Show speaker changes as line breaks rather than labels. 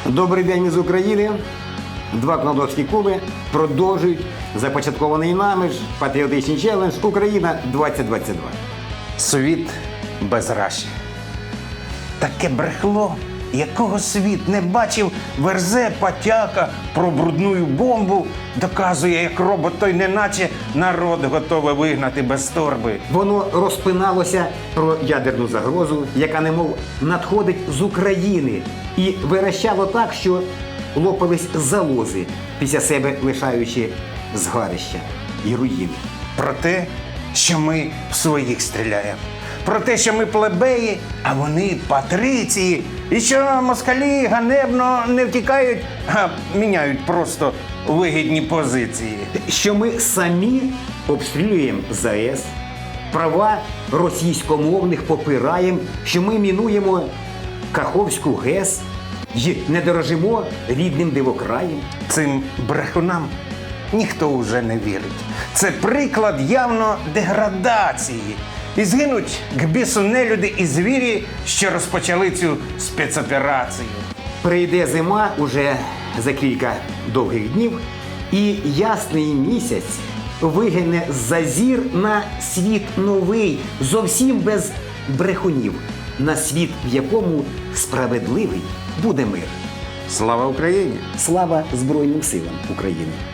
Добрий день із України. Два кнодовські клуби продовжують започаткований нами ж патріотичний челендж «Україна 2022».
Світ без Раші. Таке брехло, якого світ не бачив, верзе потяка про брудну бомбу, доказує, як робот той неначе народ готовий вигнати без торби.
Воно розпиналося про ядерну загрозу, яка немов надходить з України, і вирощало так, що лопались залози, після себе лишаючи згарища і руїни.
Про те, що ми в своїх стріляємо. Про те, що ми плебеї, а вони патриції. І що москалі ганебно не втікають, а міняють просто вигідні позиції.
Що ми самі обстрілюємо ЗАЕС, права російськомовних попираємо, що ми мінуємо Каховську ГЕС і не дорожимо рідним дивокраєм.
Цим брехунам ніхто уже не вірить. Це приклад явно деградації. І згинуть к бісу нелюди і звірі, що розпочали цю спецоперацію.
Прийде зима уже за кілька довгих днів, і ясний місяць вигине за зір на світ новий, зовсім без брехунів, на світ, в якому справедливий буде мир.
Слава Україні!
Слава Збройним силам України!